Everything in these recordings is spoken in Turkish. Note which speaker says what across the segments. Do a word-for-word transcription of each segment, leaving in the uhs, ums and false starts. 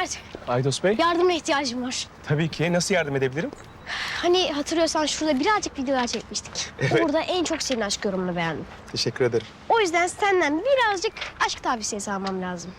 Speaker 1: Mert,
Speaker 2: Aydos Bey.
Speaker 1: yardımına ihtiyacım var.
Speaker 2: Tabii ki. Nasıl yardım edebilirim?
Speaker 1: Hani hatırlıyorsan şurada birazcık videolar çekmiştik.
Speaker 2: Evet.
Speaker 1: Orada en çok senin aşk yorumunu beğendim.
Speaker 2: Teşekkür ederim.
Speaker 1: O yüzden senden birazcık aşk tavsiyesi almam lazım.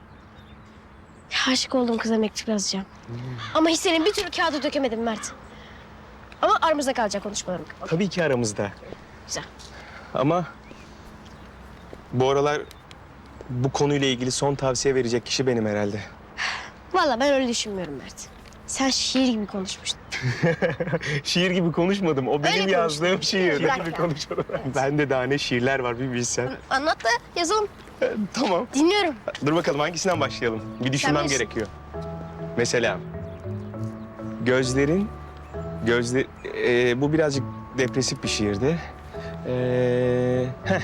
Speaker 1: Aşık olduğum kıza mektup yazacağım. Hmm. Ama hislerini bir türlü kağıda dökemedim Mert. Ama aramızda kalacak konuşmalarım.
Speaker 2: Tabii ki aramızda.
Speaker 1: Güzel.
Speaker 2: Ama bu aralar bu konuyla ilgili son tavsiye verecek kişi benim herhalde.
Speaker 1: Vallahi ben öyle düşünmüyorum Mert. Sen şiir gibi konuşmuştun.
Speaker 2: Şiir gibi konuşmadım. O benim
Speaker 1: Öyle
Speaker 2: yazdığım
Speaker 1: konuştun.
Speaker 2: şiir.
Speaker 1: Bırak
Speaker 2: gibi
Speaker 1: ya.
Speaker 2: konuşmadım. Bende daha ne şiirler var bir bilsen.
Speaker 1: Anlat da yazalım.
Speaker 2: Ee, tamam.
Speaker 1: Dinliyorum.
Speaker 2: Dur bakalım hangisinden başlayalım? Bir düşünmem
Speaker 1: bilirsin.
Speaker 2: gerekiyor. Mesela gözlerin gözle ee, bu birazcık depresif bir şiirdi. Ee, heh.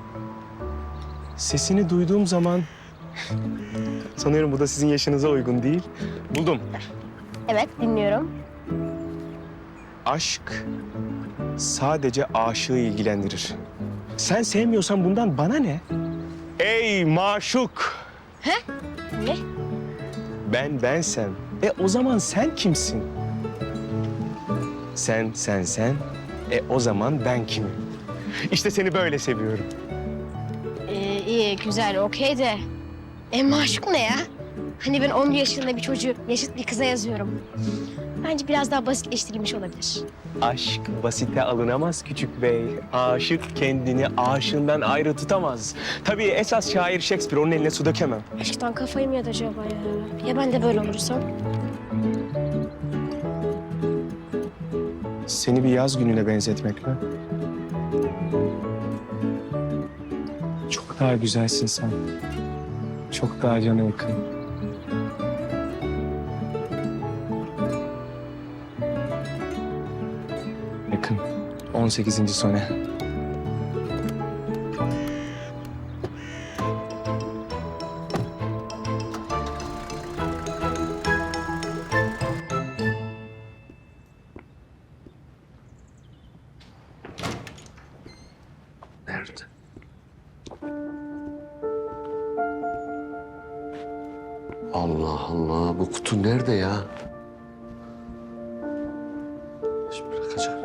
Speaker 2: Sesini duyduğum zaman sanıyorum bu da sizin yaşınıza uygun değil. Buldum.
Speaker 1: Evet, dinliyorum.
Speaker 2: Aşk sadece aşığı ilgilendirir. Sen sevmiyorsan bundan bana ne? Ey maşuk!
Speaker 1: He? Ne?
Speaker 2: Ben bensem. E o zaman sen kimsin? Sen, sen, sen. E o zaman ben kimim? İşte seni böyle seviyorum.
Speaker 1: Ee, iyi, güzel, okey de... E maşuk ne ya? Hani ben on yaşında bir çocuğu yaşıt bir kıza yazıyorum. Bence biraz daha basitleştirilmiş olabilir.
Speaker 2: Aşk basite alınamaz küçük bey. Aşık kendini aşığından ayrı tutamaz. Tabii esas şair Shakespeare, onun eline su dökemem.
Speaker 1: Aşktan kafayı mı yedi acaba ya? Ya ben de böyle olursam?
Speaker 2: Seni bir yaz gününe benzetmek mi? Çok daha güzelsin sen. Çok daha cana yakın. Yakın. on sekizinci sone.
Speaker 3: Nerede? Allah Allah, bu kutu nerede ya? Şimdi bırakacağım.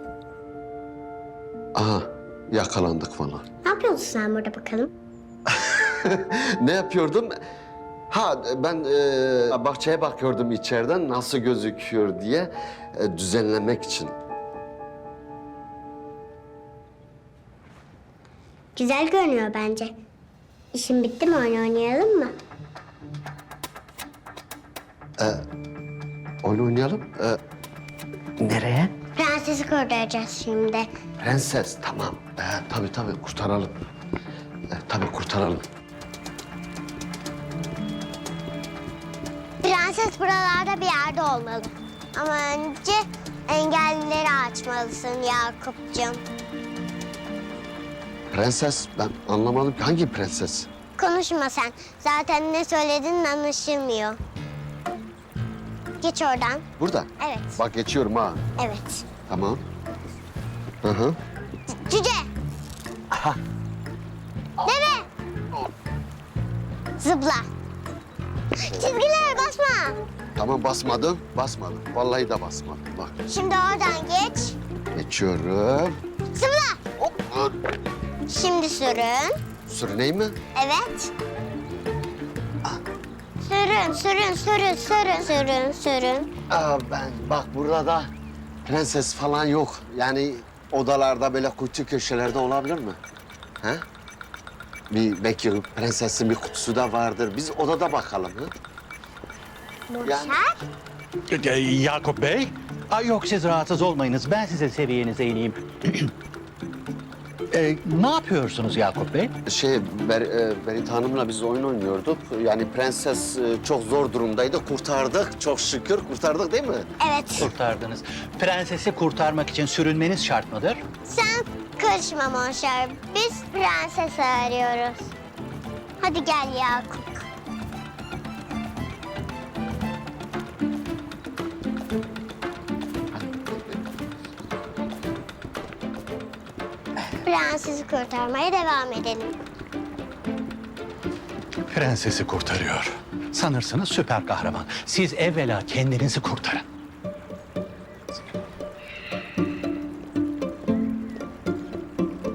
Speaker 3: Aha, yakalandık falan.
Speaker 4: Ne yapıyorsun sen burada bakalım?
Speaker 3: Ne yapıyordum? Ha, ben e, bahçeye bakıyordum içeriden nasıl gözüküyor diye e, düzenlemek için.
Speaker 4: Güzel görünüyor bence. İşin bitti mi, oyun oynayalım mı?
Speaker 3: Oyun oynayalım. E, nereye?
Speaker 4: Prensesi kurtaracağız şimdi.
Speaker 3: Prenses, tamam. E, tabii tabii, kurtaralım. E, tabii kurtaralım.
Speaker 4: Prenses buralarda bir yerde olmalı. Ama önce engellileri açmalısın Yakup'cığım.
Speaker 3: Prenses, ben anlamadım ki hangi prenses?
Speaker 4: Konuşma sen. Zaten ne söylediğin anlaşılmıyor. Geç oradan.
Speaker 3: Burada.
Speaker 4: Evet.
Speaker 3: Bak geçiyorum ha.
Speaker 4: Evet.
Speaker 3: Tamam. Hı hı.
Speaker 4: C- Cüce.
Speaker 3: Aha.
Speaker 4: Deve. Zıpla. Çizgilere basma.
Speaker 3: Tamam basmadım, basmadım. Vallahi de basmadım. Bak
Speaker 4: Şimdi oradan geç.
Speaker 3: geçiyorum.
Speaker 4: Zıpla.
Speaker 3: Hop.
Speaker 4: Şimdi sürün.
Speaker 3: Sürüneyim mi?
Speaker 4: Evet. Sürün, sürün, sürün, sürün, sürün, sürün.
Speaker 3: Aa, ben bak burada da prenses falan yok. Yani odalarda böyle kuytu köşelerde olabilir mi? He? Bir belki prensesin bir kutusu da vardır. Biz odada bakalım. Hı?
Speaker 4: Boşver.
Speaker 5: Ee, Yakup Bey? Ay yok siz rahatsız olmayınız. Ben size seviyenize ineyim. Ee, ne yapıyorsunuz Yakup Bey?
Speaker 3: Şey, Ber, e, Berit Hanım'la biz oyun oynuyorduk. Yani prenses e, çok zor durumdaydı. Kurtardık, çok şükür kurtardık değil mi?
Speaker 4: Evet.
Speaker 5: Kurtardınız. Prensesi kurtarmak için sürünmeniz şart mıdır?
Speaker 4: Sen karışma Monşer. Biz prensesi arıyoruz. Hadi gel Yakup. Prensesi kurtarmaya devam edelim.
Speaker 5: prensesi kurtarıyor. Sanırsınız süper kahraman. Siz evvela kendinizi kurtarın.